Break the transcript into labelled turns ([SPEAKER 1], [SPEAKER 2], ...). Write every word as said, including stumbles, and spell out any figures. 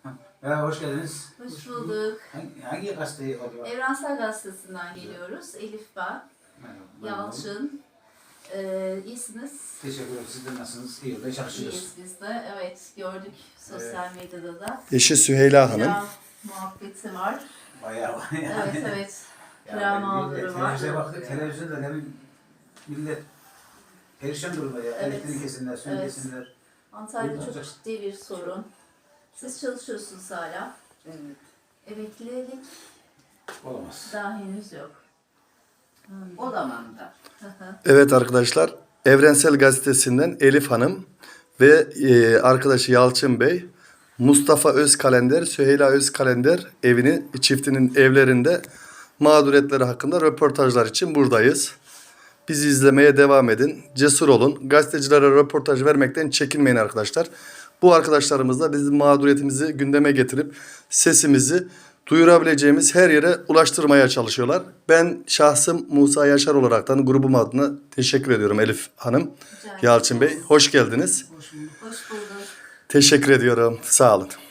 [SPEAKER 1] Merhaba, hoş geldiniz.
[SPEAKER 2] Hoş bulduk.
[SPEAKER 1] Hangi, hangi gazeteyi alıyor?
[SPEAKER 2] Evrensel Gazetesi'nden geliyoruz. Elif ben.
[SPEAKER 1] Merhaba.
[SPEAKER 2] Yalçın. Ee, iyisiniz.
[SPEAKER 1] Teşekkür ederim. Siz de nasılsınız? İyi yolda çalışıyoruz.
[SPEAKER 2] İyiyiz biz de. Evet, gördük sosyal medyada da.
[SPEAKER 3] Eşi Süheyla Hanım.
[SPEAKER 2] Kira muhabbeti var.
[SPEAKER 1] Bayağı var yani.
[SPEAKER 2] Evet, evet.
[SPEAKER 1] Yani
[SPEAKER 2] Kira
[SPEAKER 1] bir de
[SPEAKER 2] mağduru var.
[SPEAKER 1] Televizyona baktık. Televizyonda demin millet perişan durumda ya.
[SPEAKER 2] Evet.
[SPEAKER 1] Elektrik kesinler, suyu
[SPEAKER 2] Evet.
[SPEAKER 1] kesinler.
[SPEAKER 2] Antalya'da
[SPEAKER 1] Buyurun
[SPEAKER 2] çok
[SPEAKER 1] hocam.
[SPEAKER 2] ciddi bir sorun. Siz çalışıyorsunuz hala.
[SPEAKER 4] Evet.
[SPEAKER 2] Emeklilik
[SPEAKER 1] Olamaz.
[SPEAKER 2] daha henüz yok. Hmm.
[SPEAKER 4] Olamam da.
[SPEAKER 3] Evet arkadaşlar, Evrensel Gazetesi'nden Elif Hanım ve e, arkadaşı Yalçın Bey, Mustafa Özkalender, Süheyla Özkalender evini, çiftinin evlerinde mağduriyetleri hakkında röportajlar için buradayız. Bizi izlemeye devam edin. Cesur olun. Gazetecilere röportaj vermekten çekinmeyin arkadaşlar. Bu arkadaşlarımız da bizim mağduriyetimizi gündeme getirip sesimizi duyurabileceğimiz her yere ulaştırmaya çalışıyorlar. Ben şahsım Musa Yaşar olaraktan grubum adına teşekkür ediyorum Elif Hanım,
[SPEAKER 2] Rica
[SPEAKER 3] Yalçın Bey.
[SPEAKER 2] ederiz.
[SPEAKER 3] Hoş geldiniz.
[SPEAKER 2] Hoş bulduk.
[SPEAKER 3] Teşekkür ediyorum. Sağ olun.